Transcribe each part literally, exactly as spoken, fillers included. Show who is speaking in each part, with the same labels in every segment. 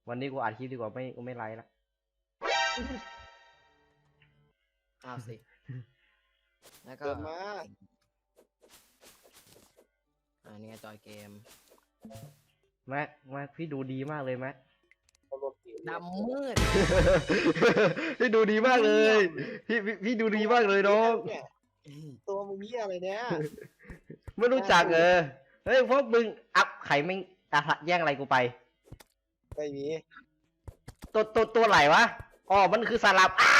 Speaker 1: วันนี้กูอัดคลิปดีกว่าไม่กูไม่ไลฟ์ละ
Speaker 2: อ้าวสิ แล้วก็
Speaker 3: เกิดมา
Speaker 2: อันนี้จอยเกม
Speaker 1: แม็กแม็กพี่ดูดีมากเลยแม็ก
Speaker 3: เอารถเก๋ง
Speaker 2: ดำมืด
Speaker 1: พี่ดูดีมากเลยพี่พี่พี่ดูดีมากเลยน้อง
Speaker 3: เนี่ยตัวมึงเหี้ยอะไรเนี่ย
Speaker 1: ไม่รู้จักเออเฮ้ยพวกมึงอัพไข่ไม่อะแย่งอะไรกูไป
Speaker 3: ไม่มี
Speaker 1: ตัวตัวตัวไหนวะอ๋อมันคือสลับอ้า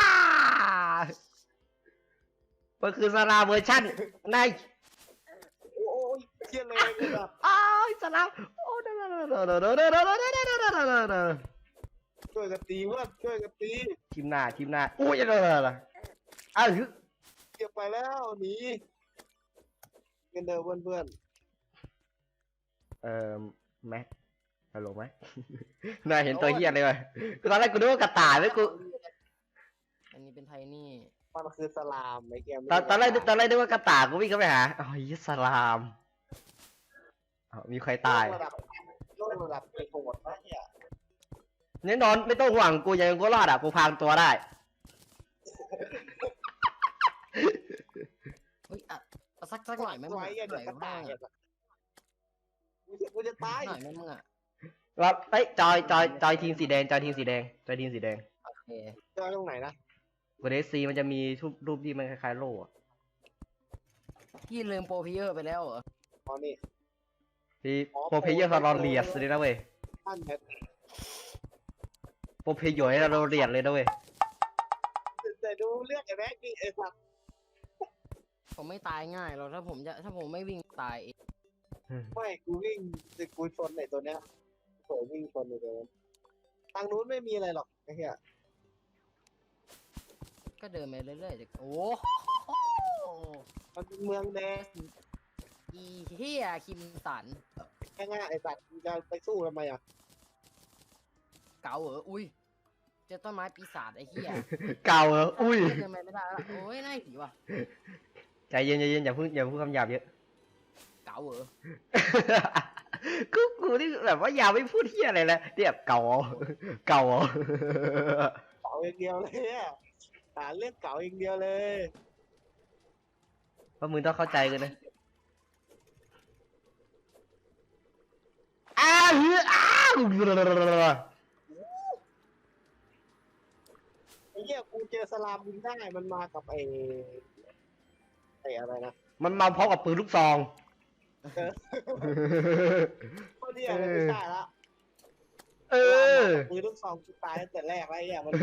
Speaker 1: มันคือสลับเวอร์ชันใน
Speaker 3: โอ้ยเหี้ยเลยกูแบบ
Speaker 1: อ้าวสลับโอ้เด้อเด้อเด้อเด้อเด้อเด้อเด้อเด้อเด้อเด้อเด้อเด้อเด้อ
Speaker 3: ช่วยกันตีเพื่อนช่วยกันตี
Speaker 1: ทีมหน้าทีมหน้าอุ้ยเด้อเด้อเด้ออ้าว
Speaker 3: เก็บไปแล้วหนีกันเดิมเพื่อนเพื่อน
Speaker 1: เอ่อแม็กฮัลโหลไหม นายเห็นตัวเฮียเลยไหมตอนแรกกูนึกว่ากระต่ายแล้วกู
Speaker 2: อันนี้เป็นไทนี่
Speaker 3: มันคือสลามไอ้แกม
Speaker 1: ตอนตอนแรกตอนแรกนึกว่ากระต่ายกูวิ่งเข้าไปหาอ๋อยิสลามอ้าวมีใครตาย
Speaker 3: ระดับโลกระดับเป็นโหดนะเนี่ย
Speaker 1: แน่นอนไม่ต้องห่วงกูยังกูรอดอ่ะกูพางตัวได้
Speaker 2: เฮ้ยอ่ะเอาสักสักหน่อยไหมมึง
Speaker 3: ไว้
Speaker 2: อ่ะ
Speaker 3: อะ
Speaker 2: ห
Speaker 3: เดี๋
Speaker 2: น่
Speaker 3: ย
Speaker 2: อ
Speaker 3: วย กระ
Speaker 2: บ้า
Speaker 3: ต่าย
Speaker 2: ง
Speaker 3: อะกูจะกูจะตาย
Speaker 2: หน่อยไหมมึงอ่ะ
Speaker 1: เราเอ้ยจอยจอยจอยทีมสีแดงจอยทีมสีแดงจอยทีมสีแดง
Speaker 2: โอเค
Speaker 3: เจอตรงไหนนะ
Speaker 1: กูเดซีมันจะมีรูปรูปที่มันคล้ายๆโล่อะ
Speaker 2: พี่ลืมโปรเพเยอร์ไปแล้วเหรอ
Speaker 3: อ๋อนี่
Speaker 1: ที่โปรเพเยอร์ฟารอนเลียสเลยนะเว้ย
Speaker 3: ท่านเนี่ย
Speaker 1: โปรเพเยอร์ให้เราเรียนเลยนะเว้ย
Speaker 3: แต่ดูเรียกไอ้แม็กนี่ไอ้สัตว์
Speaker 2: ผมไม่ตายง่ายหรอกถ้าผมจะถ้าผมไม่วิ่งตายเอง
Speaker 3: ไม่กูวิ่งกูชนไอ้ตัวเนี้ยโผล่วิ่งชนไอ้ตัวนั้นทางนู้นไม่มีอะไรหรอกไอ้เหี้ย
Speaker 2: ก็เดินไปเรื่อยๆเด็กโอ้โห
Speaker 3: มันเป็นเมืองแดง
Speaker 2: อีเฮียคิมสัน
Speaker 3: แค่ง่ายไอ้สัตว์มึงจะไปสู้ทำไมอ่ะ
Speaker 2: เก๋าเหรออุ้ยเจอต้นไม้ปีศาจไอ้เฮีย
Speaker 1: เก่าเหรออุ้ย
Speaker 2: เดินไปไม่ได้แล้วโอ้ยน่าผีว่ะ
Speaker 1: ใจเย็นใจเย็นอย่าพูดอย่าพูดคำหยาบเยอะ
Speaker 2: เก๋าเหรอ
Speaker 1: กูกูนี่แบบว่าอย่าไม่พูดเฮียอะไรเลยเนี่ยเก่าเหรอเก่าเหรอ
Speaker 3: เก่าอย่างเดียวเลยอ่ะหาเรื่องเก่าอย่างเดียวเลย
Speaker 1: เพราะมึงต้องเข้าใจกันนะอ้าวเฮ้ยอ้าว
Speaker 3: ไอ้เหี้ยกูเจอสลามบินได้มันมากับไอ้ไอ้อะไรนะ
Speaker 1: มันมาพร้อมกับปืนลูกซอง
Speaker 3: ก็เนี่ยมันไม่ใช่ละ
Speaker 1: เออ
Speaker 3: มือลูกซองกูตายตั้งแต่แรกแล้วไอ้เหี้ยมัน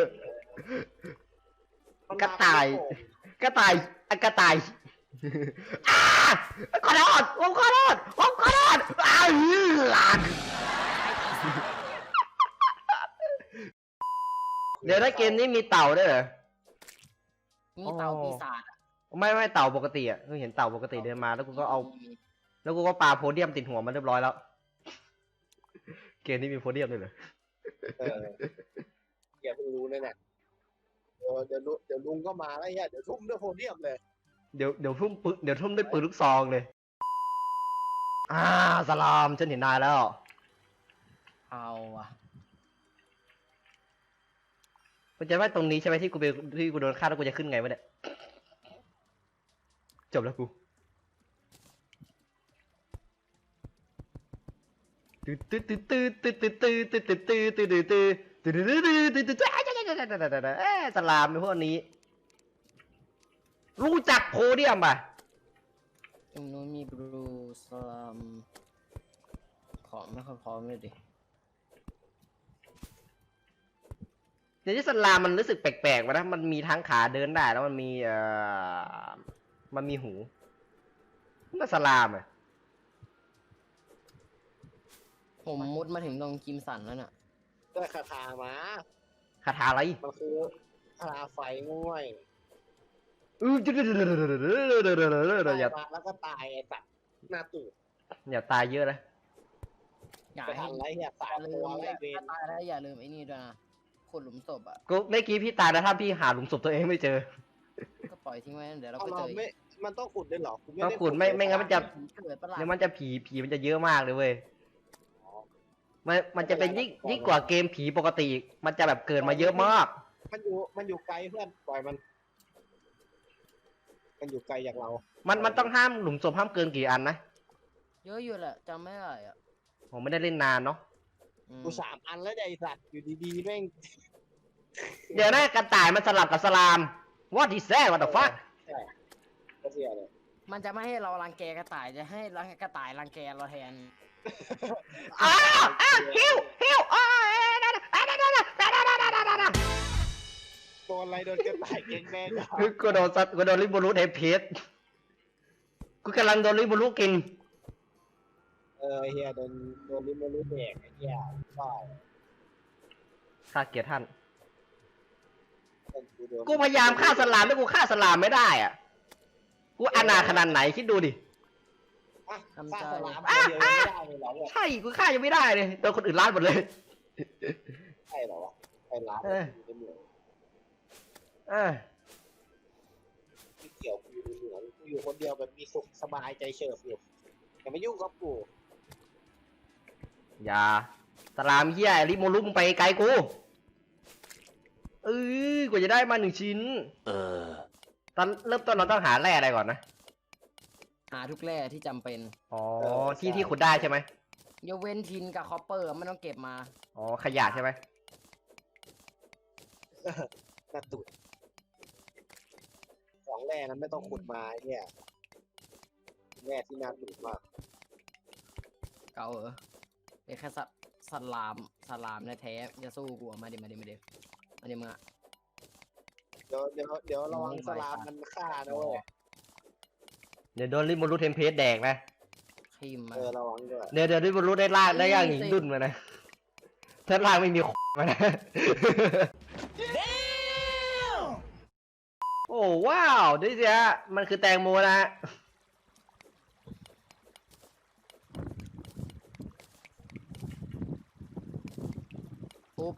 Speaker 3: ม
Speaker 1: กระต่าย กระต่ายอะกระต่ายอ้าขอโทษผมขอโทษผมขอโทษอ้าวหลานเดี๋ยวถ้าเกมนี้มีเต่าด้วยเหรอ
Speaker 2: มีเต่าปีศาจอะ
Speaker 1: ไม่ไม่เต่าปกติอ่ะคือเห็นเต่าปกติเดินมาแล้วกูก็เอา แล้วกูก็ปาโพเดียมติดหัวมันเรียบร้อยแล้ว เกมนี้มีโพเดียมด้วยเหรอ
Speaker 3: เออแกเพิ่งรู้เลยเนี่ยเดี๋ยวเดี๋ยวลุเดี๋ยวลุงก็มาแล้วไอ้เหี้ยเดี๋ยวทุ่มด้วยโพเดียมเลย
Speaker 1: เดี๋ยวเดี๋ยวทุ่มปืนเดี๋ยวทุ่มด้วยปืนลูกซองเลย อ่าสลามฉันเห็นนายแล้ว
Speaker 2: เอาว่ะ
Speaker 1: กูจะว่าตรงนี้ใช่ไหมที่กูไปที่กูโดนฆ่าแล้วกูจะขึ้นไงวะเนี่ยจบแล้วกูตื้อตื้อตื้อตื้อตื้อตื้อตื้อตื้อตื้อตื้อตื้อตื้อตื้อตื้อตื้อตื้อตื้อตื้อตื้อเอ๊ะสลามในพวกนี้ รู้จักโพเดียมป่ะ
Speaker 2: ตรงนู้นมีบลูสลัมของไม่ค่อยพร้อมเลยดิ
Speaker 1: เดี๋ยวที่สลามมันรู้สึกแปลกๆวะนะมันมีทั้งขาเดินได้แล้วมันมีเอ่อมันมีหูมันสลามอ่ะ
Speaker 2: ผมมุดมาถึงตรงคิมสันแล้วน่ะ
Speaker 3: ได้คาถามา
Speaker 1: คาถาอะไร
Speaker 3: มันคือคาถาไฟง่วย
Speaker 1: อืออย่า
Speaker 3: มาแล้วก็ตายไอ้สัตว์หน้าตูด
Speaker 1: อย่าตายเยอะนะ
Speaker 2: อย่า
Speaker 3: ไป
Speaker 2: ให้
Speaker 3: ทำไรเนี่ยสา
Speaker 2: อย่าม ลื
Speaker 3: ตัว
Speaker 2: ม
Speaker 3: ไล่เว
Speaker 2: ถ้าร ตายแล้วอย่าลืมไอ้นี่ด้วยนะขุดหลุมศพอ่ะ
Speaker 1: กูเมื่อกี้พี่ตายนะถ้าพี่หาหลุมศพตัวเองไม่เจอ
Speaker 2: ก็ปล่อยทิ้งไว้เดี๋ยวเรา
Speaker 3: เอา
Speaker 2: ก็
Speaker 3: เรา
Speaker 2: เจอ
Speaker 3: ไม่มันต้องขุดด้วยเหรอกูไม่
Speaker 1: ต้อง
Speaker 3: ได้
Speaker 1: ขุดไม่ไม่งั้นมันจะ
Speaker 2: เกิดประหลาด
Speaker 1: เนี่ยมันจะผีผีมันจะเยอะมากเลยเว้ยมันมันจะเป็นยิ่งยิ่งกว่าเกมผีปกติอีกมันจะแบบเกิดมาเยอะมาก
Speaker 3: มันอยู่มันอยู่ไกลเพื่อนปล่อยมัน มันอยู่ไกลจากเรา
Speaker 1: มันมันต้องห้ามหลุมศพห้ามเกินกี่อันนะ
Speaker 2: เยอะอยู่แหละจำไม่ได้อ่ะ
Speaker 1: ผมไม่ได้เล่นนานเนาะ
Speaker 2: อืม
Speaker 3: กูสามอันแล้วไอ้สัตว์อยู่ดีๆแม่ง
Speaker 1: เดี๋ยวนะกระต่ายมันสลับกับสลาม What is that What the fuck
Speaker 3: ใช่ก็เสียเลย
Speaker 2: มันจะไม่ให้เรารังแกกระต่ายจะให้รังกระต่ายรังแกเราแทน
Speaker 1: อ้าวอ้าวฮิวฮิวอ้าวนั่นน่ะนั่นน่ะนั่นน่ะนั่นน่ะนั่นน่ะนั่นน่ะนั่นน่ะ
Speaker 3: โดนอะไรโดนกระต่ายเก่งแม่งเหรอ
Speaker 1: กูโดนสัตว์กูโดนลิบูรุเทเพสกูกำลังโดนลิบูรุกิน
Speaker 3: เออเฮียโดนโดนลิมรู้แดกไอ้เฮียใช่
Speaker 1: ข้าเกลียดท่าน
Speaker 3: กูโดน
Speaker 1: กูพยายามฆ่าสลามแต่กูฆ่าสลามไม่ได้อ่ะ กูอนาถขนาดไหนคิดดูดิ
Speaker 3: อ่ะ
Speaker 2: ทำ
Speaker 3: ฆ่า
Speaker 2: ใจ
Speaker 3: สลามตัวเดียวยังไม่ได้เลยเหรอเนี่ย
Speaker 1: ใช่ กูฆ่ายังไม่ได้เลยโดนคนอื่นล้านหมดเลย
Speaker 3: ใช่เหรอวะไอ้ร้าน
Speaker 1: เออ
Speaker 3: อยู่ในเหมือง
Speaker 1: เออ
Speaker 3: ไม่เกี่ยวกูอยู่ในเหมืองกูอยู่คนเดียวแบบมีสุขสบายใจเฉิบอยู่อย่ามายุ่งกับกู
Speaker 1: อย่าสลามเฮียลิมูรุมึงไปไกลกูเออกว่าจะได้มาหนึ่งชิ้น
Speaker 4: เออ
Speaker 1: ตอนเริ่มต้นเราต้องหาแร่อะไรก่อนนะ
Speaker 2: หาทุกแร่ที่จำเป็น
Speaker 1: อ๋อ ที่ที่ขุดได้ใช่ไหม
Speaker 2: ยกเว้นทินกับคอปเปอร์ไม่ต้องเก็บมา
Speaker 1: อ๋อ ขยะใช่ไหม
Speaker 3: หน้าตุ่สองแร่นั้นไม่ต้องขุดมาไอ้เนี่ยแร่ที่น่าตุ่มาก
Speaker 2: เกาเหรอเป็นแค่สัตว์สัตว์ลามสัตว์ลามแท้ๆจะสู้กูอะมาดิมาดิมาดิมาดิมึงอะ
Speaker 3: เดี๋ยวเดี๋ยวเดี๋ยวระวังสลามมันฆ่านะเว้ย
Speaker 1: เดี๋ยวโดนลิมูรุเทมเพสแดกนะ
Speaker 2: ทิมมา
Speaker 3: เออระวังด้วย
Speaker 1: เดี๋ยวเดี๋ยวลิมูรุได้ล่างได้ย่างหญิงดุนมานะ ถ้าล่างไม่มี มานะ โอ้ว้าวดูสิฮะมันคือแตงโมนะฮะ
Speaker 2: ปุ๊บ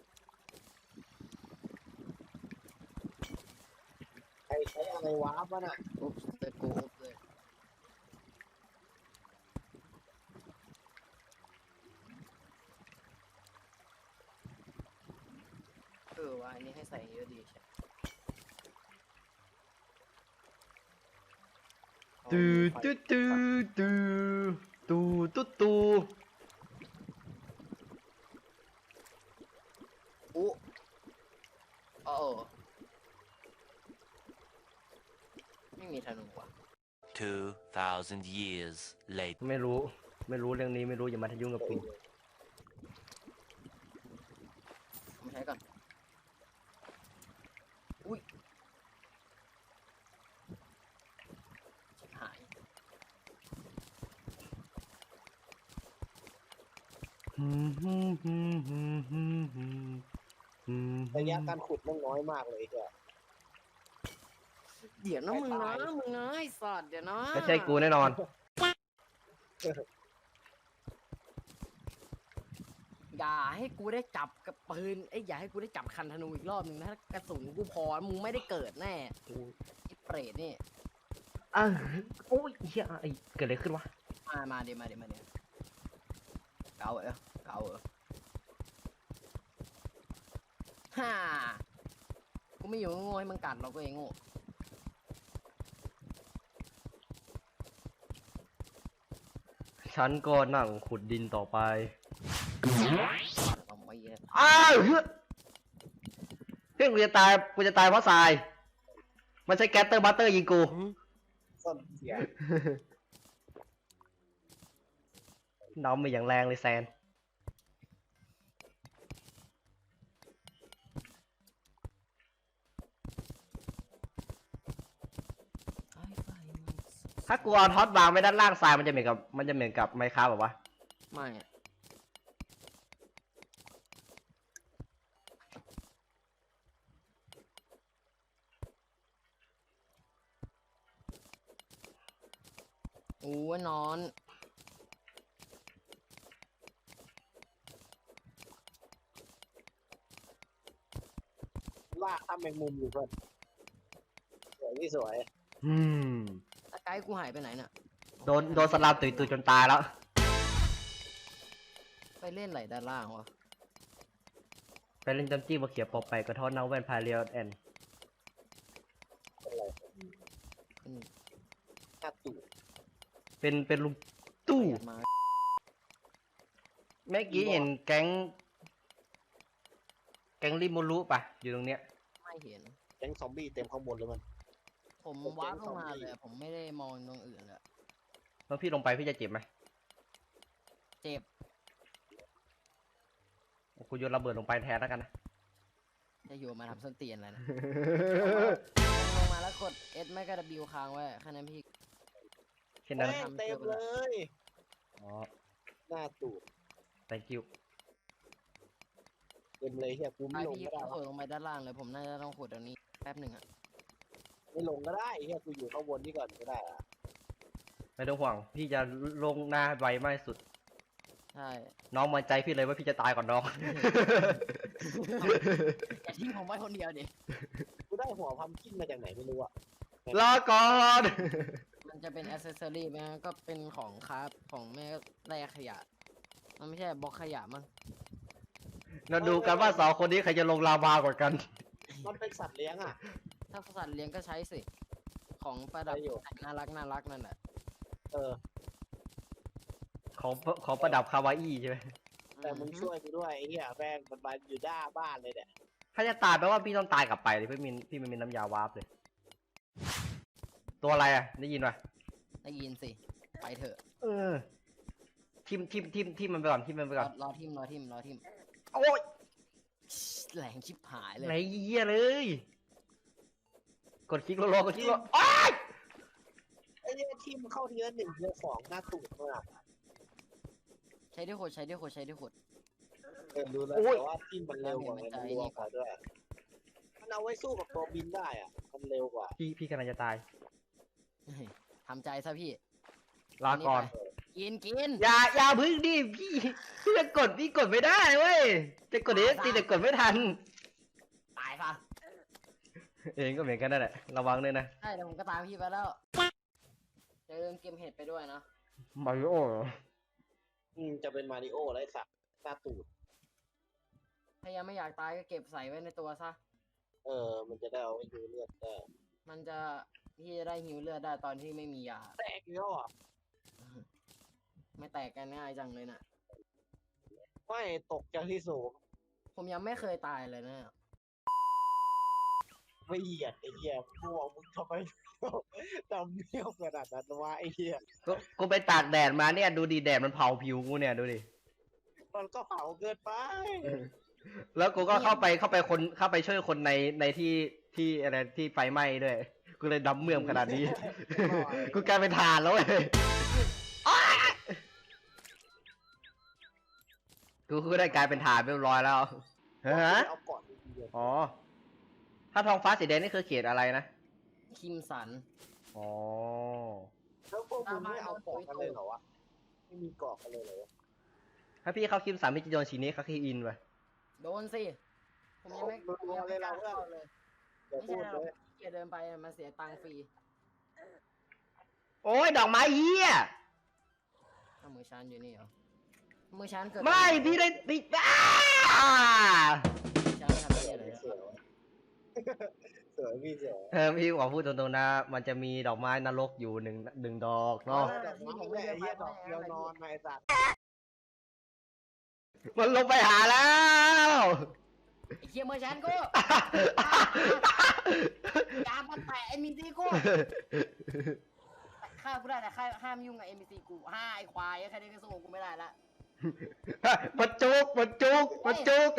Speaker 3: ใครใช้อะไรวาร์ปวะน่ะ
Speaker 2: ปุ๊บเลยกูปุ๊บเลยเออว่าอันนี้ให้ใส่เยอะดีใช่
Speaker 1: ตูตูตูตูตูตูตู
Speaker 2: อุ๊โอ้ไม่มีธนูว่ะ
Speaker 4: two thousand years later
Speaker 1: ไม่รู้ ไม่รู้เรื่องนี้ไม่รู้อย่ามาทยุ่งกับกู
Speaker 2: มาใช้ก่อน อุ้ยชิบหาย
Speaker 3: ระยะการขุดมันน้อยมากเลยเฮีย
Speaker 2: เดี๋ยวนะ
Speaker 3: ไม่
Speaker 2: มึง
Speaker 3: ตา
Speaker 2: นะ
Speaker 3: ย
Speaker 2: มึงนะไอ้สัตว์เดี๋ยวนะ
Speaker 1: ไม่ใช่กูแน่นอน
Speaker 2: อย่าให้กูได้จับกับปืนไอ้ยอย่าให้กูได้จับคันธนูอีกรอบหนึ่งนะถ้ากระสุนกูพอมึงไม่ได้เกิดแน่ไอ้เปรตนี่
Speaker 1: อ่ะโอ้ยเฮียไอเกิดอะไรขึ้นวะ
Speaker 2: มามาเดี๋ยวมาเดี๋ยวมาเดี๋ยวเกาเหรอเกาเหรอฮ่ากูไม่อยู่โง่ให้มึงกัดเราก็เองโง่
Speaker 1: ฉันก็นั่งขุดดินต่อไป
Speaker 2: ต้องไปเยอะ
Speaker 1: อ้าวเฮ้ยเพื่อนกูจะตายกูจะตายเพราะทราย มันใช้แก๊สเตอร์บัตเตอร์ยิงกู
Speaker 3: ส้นเสีย
Speaker 1: น้องมาอย่างแรงเลยแซน ถ้ากูเอาท็อตวางไว้ด้านล่างทรายมันจะเหมือนกับมันจะเหมือนกับไมค้าแบบว่า
Speaker 2: ไม่อะโอ้ยนอน
Speaker 3: ลากทำแมงมุมอยู่เพื่อนสวยที่สวย
Speaker 1: อืม
Speaker 2: ตะไกด์กูหายไปไหนเนี่ย
Speaker 1: โดนโดนสลามตุยตุยจนตายแล้ว
Speaker 2: ตไปเล่นไหลด้านล่างวะ
Speaker 1: ไปเล่นจำจี้มาเขียปอไปกระท้อนเนาแวนพาเรียลแอน
Speaker 3: อะไร
Speaker 2: อืม
Speaker 3: หน้าตู่
Speaker 1: เป็นเป็นลุงตู้
Speaker 2: เปิดมา
Speaker 1: เมื่อกี้เห็นแก๊ง แก๊งริโมรุปะอยู่ตรงเนี้ย
Speaker 2: ไม่เห็น
Speaker 3: แก๊งซอมบี้เต็มข้างบนเลยมัน
Speaker 2: ผม
Speaker 3: ผม
Speaker 2: วาร์ป
Speaker 3: เป็น
Speaker 2: ลงมา
Speaker 3: ซอมบี้
Speaker 2: เลยอะผมไม่ได้มองตรงอื่นเลย
Speaker 1: แล้วพี่ลงไปพี่จะเจ็บไหม
Speaker 2: เจ็บ
Speaker 1: กูโยนระเบิดลงไปแทนแล้วกันนะ
Speaker 2: จะอยู่มาทำส้นเตียนอะไรนะ ลงมาแล้วกด S ไม่ก็ W ค้างไว้แค่นั้นพี่
Speaker 1: แค่นั้น
Speaker 3: แม่
Speaker 1: นะ
Speaker 3: งเต็มเลย
Speaker 1: อ๋อ
Speaker 3: หน้าตู่
Speaker 1: thank you
Speaker 3: เต็มเลยเฮียกู
Speaker 2: ไป
Speaker 3: ไม่ลง
Speaker 2: พี่
Speaker 3: ก็ได้
Speaker 2: ขุ
Speaker 3: วะ
Speaker 2: ดลงไปด้านล่างเลยผมน่าจะต้องขุดตรงนี้แป๊บหนึ่งอะ
Speaker 3: ไม่ลงก็ได้เฮียกูอยู่ข้างบนนี่ก่อนก็ได้อะ
Speaker 1: ไม่ต้องห่วง พี่จะลงหน้าไวมากที่สุด
Speaker 2: ใช่
Speaker 1: น้องมั่นใจพี่เลยว่าพี่จะตายก่อนน้อง
Speaker 2: อย่าทิ้งผมไว้คนเดียวดิ
Speaker 3: กูได้หัวพัมกินมาจากไหนไม่รู้อะ
Speaker 1: รอก่อน
Speaker 2: มันจะเป็นอ c เซสซอรี่ไหมก็เป็นของคราฟของแม่แร่ขยะ มันไม่ใช่บล็อกขยะมั้ง
Speaker 1: เราดูกันว่าสองคนนี้ใครจะลงลาวากว่ากัน
Speaker 3: มันเป็นสัตว์เลี้ยงอะ
Speaker 2: ถ้าสัตว์เลี้ยงก็ใช้สิ ของประดับ
Speaker 3: ใช้อยู่
Speaker 2: น่ารักน่ารักนั่นแหละ
Speaker 3: เออ
Speaker 1: ของของประดับคาวาอี้ใช่ไหม
Speaker 3: แต่มึงช่วยกูด้วยไอ้เหี้ยแม่งมันมาอยู่หน้าบ้านเลยเนี่ย
Speaker 1: ถ้าจะตายแปลว่าพี่ต้องตายกลับไปเลยพี่มินพี่ไม่มีน้ำยาวาร์ปเลย ตัวอะไรอ่ะ ได้ยินป่ะ
Speaker 2: ได้ยินสิ ไปเถอะ
Speaker 1: เออ ทิมทิมทิมทิมมันไปก่อนทิมมันไป
Speaker 2: ร
Speaker 1: ก่
Speaker 2: อ
Speaker 1: อน
Speaker 2: รอทิมรอทิมรอทิม
Speaker 1: โอ้ย
Speaker 2: แหลงชิบหายเลย
Speaker 1: ไหนเยี่ยเลย กดคลิกโลโลกดคลิกโลโอ้ย
Speaker 3: ไอ้เนี่ยทีมเข้าทีละหนึ่งทีละสองหน้าตูดมาก
Speaker 2: ใช้ด้วยขดใช้ด้วยขดใช้ด้วยขด
Speaker 3: เออรู้แล้วแต่ว่าทีมมันเร็วกว่าไงมันรัวกว่าด้วยมันเอาไว้สู้กับตัวบินได้อ่ะมันเร็วกว่า
Speaker 1: พี่พี่กำลังจะตาย
Speaker 2: เฮ้ยทำใจซะพี่
Speaker 1: ลาก่อน
Speaker 2: กินกิน
Speaker 1: อย่าอย่าพึ่งดิพี่พี่จะกดพี่กดไม่ได้เว้ย จะกดเอสตีแต่กดไม่ทัน
Speaker 2: ตายซะ
Speaker 1: เองก็เหมือนกันนั่นแหละ ระวังเลยนะ
Speaker 2: ใช่เดี๋ยวผมก็ตามพี่ไปแล้วจะลืมเกมเห็ดไปด้วยนะ
Speaker 1: มาริโอ
Speaker 3: อืมจะเป็นมาริโอไรสักหน้าตูด
Speaker 2: ถ้ายังไม่อยากตายก็เก็บใส่ไว้ในตัวซะ
Speaker 3: เออ มันจะได้เอาไว้ดูเลือดได้
Speaker 2: มันจะพี่จะได้หิวเลือดได้ตอนที่ไม่มียา
Speaker 3: แตกแล้วอ่ะ
Speaker 2: ไม่แตกกันง่ายจังเลยนะ
Speaker 3: ไม่ตกจากที่สูง
Speaker 2: ผมยังไม่เคยตายเลยนะ
Speaker 3: ไม่เหยียดไอ้เหี้ยพวกมึงทำไมจำเนี้ยวขนาดนั้นวะไอ้เหี้ย
Speaker 1: กูกูไปตากแดดมาเนี่ย ดูดิแดดมันเผาผิวกูเนี่ยดูดิ
Speaker 3: มันก็เผาเกินไป
Speaker 1: แล้วกูก็เข้าไปเข้าไปคนเข้าไปช่วยคนในในที่ที่อะไรที่ไฟไหม้ด้วย กูเลยดำเมื่อมขนาดนี้ กูกลายเป็นถ่านแล้วเว้ยอ้ายกูกูได้กลายเป็นถ่านเรียบร้อยแล้วฮะ
Speaker 3: เอาก่อนดีเดียว
Speaker 1: อ๋อ ถ้าท้องฟ้าสีแดงนี่คือเขตอะไรนะ
Speaker 2: คิมสัน
Speaker 1: อ๋อ
Speaker 3: แล้วพวกมึงไม่เอาเกาะกันเลยเหรอวะไม่มีเกาะกันเลยเหรอวะ
Speaker 1: ถ้าพี่เข้าคิมสามพี่จะโดนชีนี้เขาคีอินไป
Speaker 2: โดนสิ ผมยังไม่ผมยังไม่กล้าเข้าเลย
Speaker 3: อย่า
Speaker 2: ไม่
Speaker 3: พู
Speaker 2: ใช่
Speaker 3: ด
Speaker 2: เรา
Speaker 3: เลย
Speaker 2: เกียเดินไปอะมันเสียตังค์ฟรี
Speaker 1: โอ้ยดอกไม้เหี้ย
Speaker 2: ถ้ามือชันอยู่นี่เหรอ มือชันเกิด
Speaker 1: ไม่พี่ได้พี่อ้า
Speaker 2: มือชันทำ
Speaker 3: เสื
Speaker 2: เหี้ย
Speaker 3: อ
Speaker 2: อะไร
Speaker 3: เสือเสือพี่เสือ
Speaker 1: เออพี่ขอพูดตรงๆนะ มันจะมีดอกไม้นรกอยู่หนึ่งหนึ่งดอกเนาะ
Speaker 3: ดอกไม้แม่ไอ้เหี้ยดอกเดียวนอนไอ้สัตว์
Speaker 1: มันลงไปหาแล้ว
Speaker 2: ไอ้เหี้ยมือชันกูยามาแตะเอ็มบีซีกูฆ่ากูได้แต่ฆ่าห้ามยุ่งกับเอ็มบีซีกูห้าไอ้ควายแค่นี้ก็สู้กูไม่ได้ละ
Speaker 1: มันจุกมันจุกมันจุก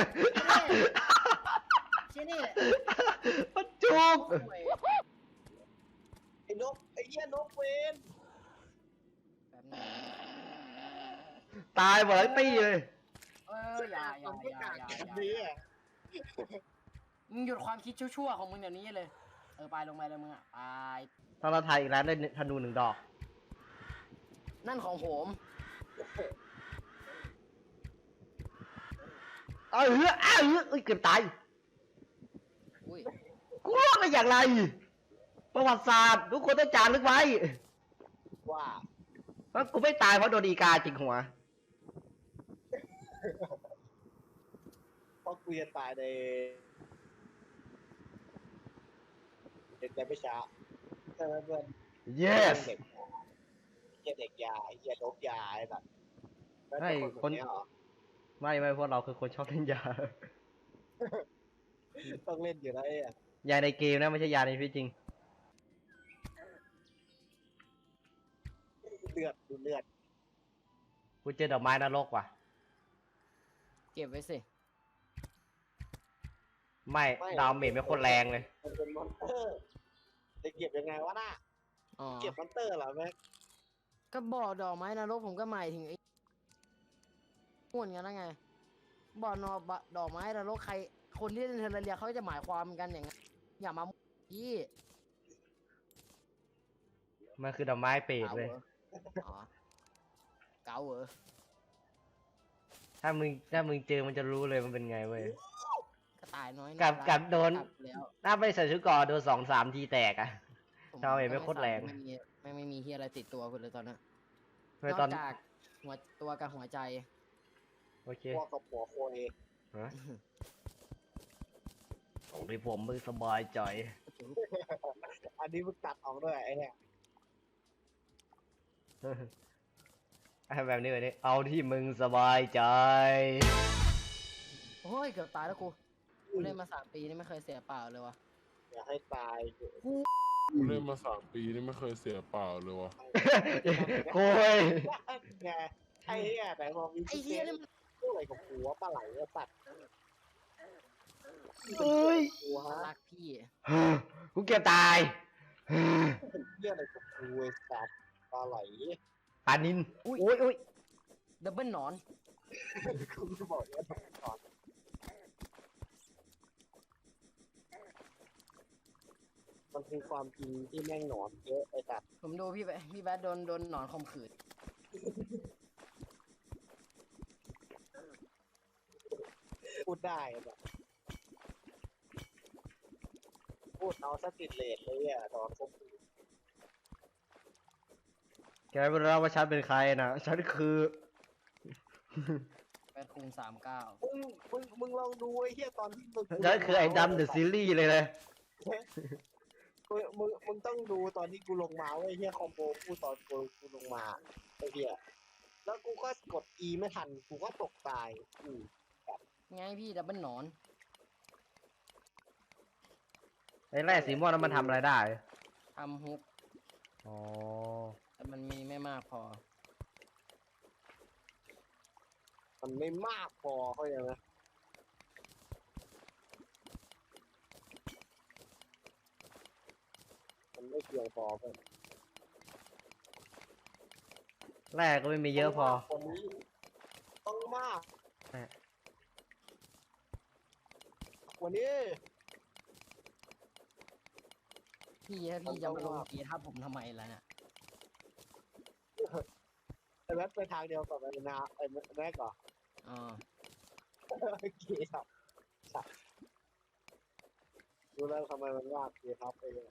Speaker 2: เชี่ยนี่
Speaker 1: มันจุก
Speaker 2: โอ้ย
Speaker 3: ไอ้นกไอ้เหี้ยนกเวน
Speaker 2: แบบนี้
Speaker 1: ตายหมดเลยตีเลย
Speaker 2: เอออย่าอย่า
Speaker 3: มัน
Speaker 2: อ
Speaker 3: ไม่
Speaker 2: ย่าก
Speaker 3: า
Speaker 2: อย่า
Speaker 3: แบ
Speaker 2: อย่า
Speaker 3: บนี้อ่ะ
Speaker 2: มึงหยุดความคิดชั่วๆของมึงเดี๋ยวนี้เลย เออไปลงไปเลยมึงอ่ะไป
Speaker 1: ถ้าเราถ่ายอีกแล้วได้ธนูหนึ่งดอก
Speaker 2: นั่นของผม
Speaker 1: เออเฮ้ยอ้าวเฮ้ยเอ้ยเกือบตาย
Speaker 2: อุ้ย
Speaker 1: กูรอดได้อย่างไร ประวัติศาสตร์ทุกคนต้องจารึกไว้
Speaker 3: ว่า
Speaker 1: ว่ากูไม่ตายเพราะโดนอีกาจิกหัว
Speaker 3: กูจะตายในเด็กแต่ไม่ช้าใช่ไหมเพื่อน
Speaker 1: yes
Speaker 3: เด็กเหี้ยเด็กยาเหี้ยโดบยาไอ้แบบ
Speaker 1: ให้คน
Speaker 3: เนี้ยเหรอ
Speaker 1: ไม่ไม่พวกเราคือคนชอบเล่นยา
Speaker 3: ต้องเล่นอยู่แล้วไอ้อะ
Speaker 1: ยาในเกมนะไม่ใช่ยาในชีวิตจริง
Speaker 3: เลือดดูเลือด
Speaker 1: กูเจอดอกไม้นรกว่ะ
Speaker 2: เก็บไว้สิ
Speaker 1: ไม่ดาวเมจไม่โคตรแรงเลย
Speaker 3: มันเป็นมอนเตอร์จะเก็บยังไงวะน่ะ
Speaker 2: อ๋อ
Speaker 3: เก็บมอนเตอร์เหรอแม็ก
Speaker 2: ก็บอกดอกไม้นรกผมก็หมายถึงไอ้ม่วนกันนะไงบอกนอบะดอกไม้นรกใคร คนที่เล่นเทอร์เรียเขาจะหมายความกันอย่างนั้นอย่ามาพี่
Speaker 1: มันคือดอกไม้เปรต
Speaker 2: เก๋า
Speaker 1: เล
Speaker 2: เหร
Speaker 1: ย
Speaker 2: ออ๋อเก๋าเหรอ
Speaker 1: ถ้ามึงถ้ามึงเจอมันจะรู้เลยมันเป็นไงเว้ย
Speaker 2: กระต่ายน้อย
Speaker 1: กับ
Speaker 2: ารั
Speaker 1: กับโดน
Speaker 2: กลับแล้ว
Speaker 1: ถ้าไม่ใส่ชุดเกราะโดนสองสามทีแตกอะ
Speaker 2: ผม
Speaker 1: ชาวเน็ตไม่โคตรแรง
Speaker 2: ไม่มีไม่ไม่มีเฮียอะไรติดตัวคุณเลยตอนนั้น
Speaker 1: ไม่
Speaker 2: น
Speaker 1: ตอ
Speaker 2: อน กจากหัวตัวกับหัวใจ
Speaker 1: โอเค
Speaker 3: พวกกับหัวโคเอ
Speaker 1: ฮะของที่ผมมึงสบายใจ
Speaker 3: อันนี้มึงตัดออกด้วยไอ้เนี่ย
Speaker 1: ให้แบบนี้แบบนี้เอาที่มึงสบายใจ
Speaker 2: โอ้ยเกือบตายแล้วกูกูเล่นมาสามปีนี่ไม่เคยเสียเปล่าเลยวะ
Speaker 3: อย่าให้ตาย
Speaker 5: กูเล่นมาสามปีนี่ไม่เคยเสียเปล่าเลยวะ
Speaker 1: โอ้ย
Speaker 3: ไงไอ้เหี้ยแต่พอมี
Speaker 2: ไอ้เฮียนี่มัน
Speaker 3: พูดอะไรกับหัวปลาไหลอะตัด
Speaker 1: เอ้ย
Speaker 3: หัวฮะ
Speaker 2: รักพี่
Speaker 1: กูเกือบตาย
Speaker 3: เรื่องอะไรกับหัวตัดปลาไหล
Speaker 1: ปานินอุ้ยอุ้ยอุ้ย
Speaker 2: ดับเบิลหนอน
Speaker 3: คุณบอกว่าก่อนมันคือความจริงที่แม่งหนอนเยอะไอ้ตัด
Speaker 2: ผมดูพี่แบพี่แบดโดนโดนหนอนข่มขืน
Speaker 3: พูดได้แบบพูดเอาสติดเลทเลยอ่ะตอนคบ
Speaker 1: แกไม่รู้ว่าฉันเป็นใครนะฉันคือ
Speaker 2: แบดคูณสามเก้า
Speaker 3: มึงมึงมึงลองดูไอ้เหี้ยตอนที่มึง
Speaker 1: ฉันคือไอ้ดำเดอะซีรีส์เลยเลย
Speaker 3: มึงมึงมึงต้องดูตอนที่กูลงมาเว้ยไอ้เหี้ยคอมโบกูตอนกูกูลงมาไอ้เหี้ยแล้วกูก็กด E ไม่ทันกูก็ตกตายอืม
Speaker 2: ไงพี่ดับเบิลหนอน
Speaker 1: ไอ้แร่สีม่วงนั้นมันทำอะไรได้
Speaker 2: ทำฮุก
Speaker 1: อ๋อ
Speaker 2: แต่มันมีไม่มากพอ
Speaker 3: มันไม่มากพอเข้าใจไหมมันไม่เพียงพอเพื่อน
Speaker 1: แร่ก็ไม่มีเยอะพอ
Speaker 3: คนนี้ต้องมาก
Speaker 1: แม่
Speaker 3: วันนี้
Speaker 2: พี่ถ้าพี่จะมาลงกีทับผมทำไมล่ะเนี่ย
Speaker 3: ไอ้แม็กไปทางเดียวกับไอ้นาไอ้แม็กก่อน
Speaker 2: อ๋อ
Speaker 3: เกียร์ครับดูแล้วทำไมมันยากเกียร์ครับไปเลย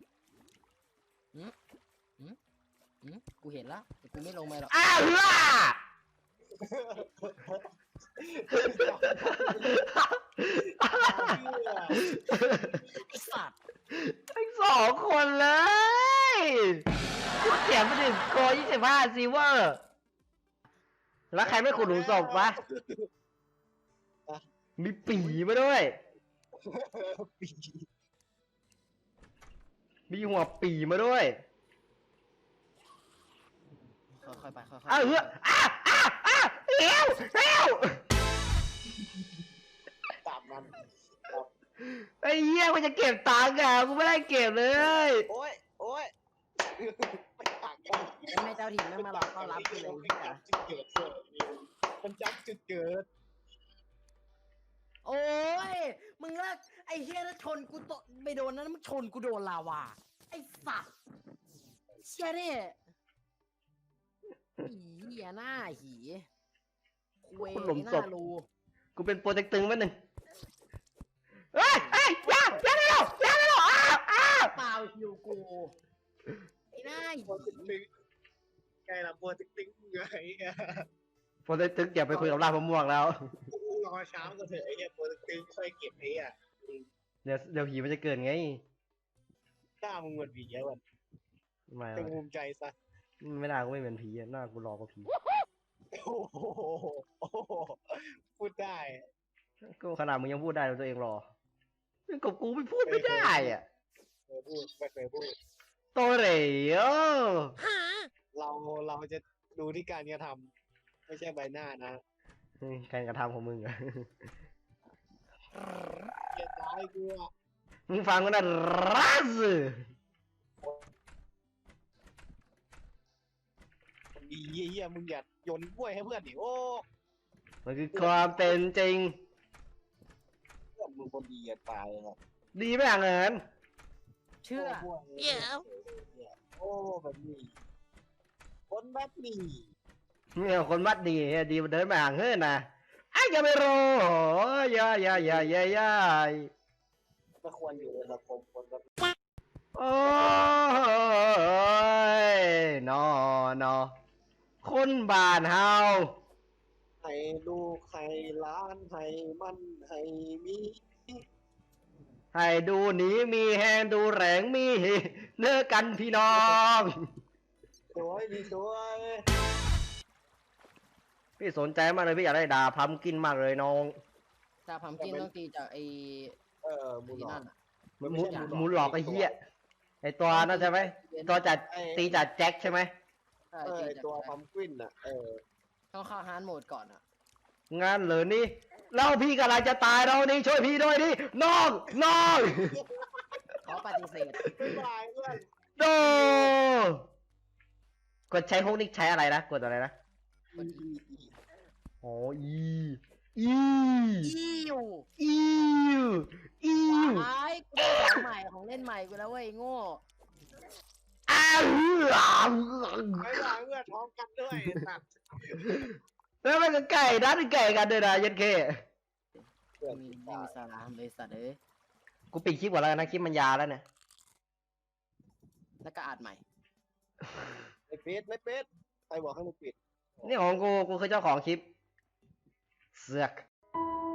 Speaker 2: อืมกูเห็นละแต่กูไม่ลงไปหรอก
Speaker 1: อ้าวล่ะ
Speaker 2: ไอสัตว์
Speaker 1: ทั้งสองคนเลยกูเขียนไปถึงโกยี่สิบห้าซีเวอร์ แล้วใครไม่ขุดหลุมศพวะ มีปีมาด้วย
Speaker 3: ปี
Speaker 1: มีหัวปีมาด้วย
Speaker 2: ค่อยๆไปค่อยๆ
Speaker 1: อ้าวเฮ้ยอ้าวอ้าวอ้าวเร็วเร็ว
Speaker 3: ตามนั้น
Speaker 1: ไอ้เหี้ยมันจะเก็บตังค์อ่ะกูไม่ได้เก็บเลย
Speaker 3: โอ้ยโอ้ยไปถากกัน
Speaker 2: แล้วแม่เจ้าถิ่นไม่มาหลอกต้อนรับกูเลย
Speaker 3: มัน
Speaker 2: พี่
Speaker 3: จั
Speaker 2: อะ
Speaker 3: บจุดเกิดเสยมันจับจุดเกิด
Speaker 2: โอ้ย มึงเลิกไอ้เฮียแล้วชนกูตกไปโดนนั้นมึงชนกูโดนลาวา ไอ้สัตว์เชี่ยเนี่ยหีเหี้ยหน้าหีคุย
Speaker 1: คุณหลุม
Speaker 2: ห
Speaker 1: ศ
Speaker 2: น้า
Speaker 1: พ
Speaker 2: รู
Speaker 1: กูเป็นโปรเจกต์ตึงแป๊บนึงเฮ้ยเฮ้ยอย่าอย่าได้หรอกอย่าได้หรอกอ้าวอ้าว
Speaker 2: เปล่าหิวกูไอ้หน้าหี
Speaker 3: โปรติ๊กติ๊งไงล่ะโปรติ๊กติ๊งไง
Speaker 1: โปรเจกต์ตึงอย่าไปคุยกับลาบมะม่วงแล้ว
Speaker 3: โอ้รอเช้าก็เถอะไอ้เหี้ยโปรตีนค่อยเก็บไอ้อ่ะ
Speaker 1: เดี๋ยวเดี๋ยวผีมันจะเกิดไง
Speaker 3: กล้ามึงเหมือนผีแล้วมัน
Speaker 1: ไม่
Speaker 3: จงภูมิใจซะ
Speaker 1: ไม่น่ากูไม่เหมือนผีอะหน้ากูหลอกกว่าผี
Speaker 3: โอ้โหโอ้โหพูดได้
Speaker 1: ก็ขนาดมึงยังพูดได้เลยตัวเองหรอกับกูไม่พูดไม่ได้อ่ะ
Speaker 3: เคยพูดไม่เคยพูด
Speaker 1: โตเหรอ
Speaker 3: เราเราจะดูที่การกระทำไม่ใช่ใบหน้านะ
Speaker 1: การกระทำของมึงอะ
Speaker 3: เกลียดร้ายกูอะ
Speaker 1: มึงฟังกูนะรัส
Speaker 3: ดีเยี่ยมึงอย่าโยนกล้วยให้เพื่อนดิโอ้
Speaker 1: มันคือความเป็นจริง
Speaker 3: เพื่อนมึงคนดีอย่าตายเลยนะ
Speaker 1: ดีไหมอ่ะเงิน
Speaker 2: เชื่อ
Speaker 3: โอ้เยี่ยโอ้แบบนี้คนแบบนี้
Speaker 1: เนี่ยคนวัดดีเนี่ยดีมันเดินมาห่างเฮ้ยนะไอ้ยอย่าไม่รู้อย่าอย่าอย่าอย่าอย่า
Speaker 3: ไม่ควรอยู่ในสังคมคนแบบ
Speaker 1: โอ้ยนอนอคนบ้านเฮา
Speaker 3: ให้ลูกให้หล้านให้มันให้มี
Speaker 1: ให้ดูหนีมีแหงดูแรงมีเนื้อกันพี่น้อง
Speaker 3: สวยดีสวย
Speaker 1: พี่สนใจมากเลยพี่อยากได้ดาบพัมกินมากเลยน้อง
Speaker 2: แต่พัมกินต้องตีจากไอ้
Speaker 3: เออมู
Speaker 2: ที่
Speaker 3: นอ
Speaker 2: นั่
Speaker 3: น
Speaker 2: นอะ
Speaker 1: หมูหมูหลอกไอ้เหี้ยไอ้ตัวนั่นใช่ไหมตัวจัดตีจัดแจ็คใช่ไหม
Speaker 2: ใช่
Speaker 3: เออ
Speaker 2: ตี
Speaker 3: ไอ้
Speaker 2: จาก
Speaker 3: ตัว
Speaker 2: แจ็ค
Speaker 3: พัมกวินอ่ะเออ
Speaker 2: ต้องเข้าฮาร์ดโหมดก่อนอ่ะ
Speaker 1: งานเหลือนี่เล่าพี่กำลังจะตายเรานี่ช่วยพี่ด้วยดิน้องน้อง
Speaker 2: เขาปฏิเสธ
Speaker 3: บ๊ายบายเพื่อน
Speaker 1: โดกดใช้ฮุกนี่ใช้อะไรนะกดอะไรนะ
Speaker 3: อีอีอี
Speaker 1: อ๋ออีอี
Speaker 2: อีอยู่
Speaker 1: อีอี
Speaker 2: ไอ้กูได้ของใหม่ของเล่นใหม่กูแล้วเว้ยโง่
Speaker 1: อ้าว
Speaker 3: บ๊ายบายเพื่อนพร้อมกันด้วยตัด
Speaker 1: แล้วมันก็ไก่นัดไก่กันด้วยนะยันเค
Speaker 3: เพื่อน
Speaker 2: มี
Speaker 3: ติด
Speaker 2: ไม่
Speaker 3: ตา
Speaker 2: มีสาระเลยสัตว์เอ้ย
Speaker 1: กูปิดคลิปก่อนแล้วกันนะคลิปมันยาวแล้วเนี่ย
Speaker 2: แล้วก็อัดใหม่
Speaker 3: ไม่ปิดไม่ปิดใครบอกให้มึงปิด
Speaker 1: นี่ของกูกูคือเจ้าของคลิปเสือก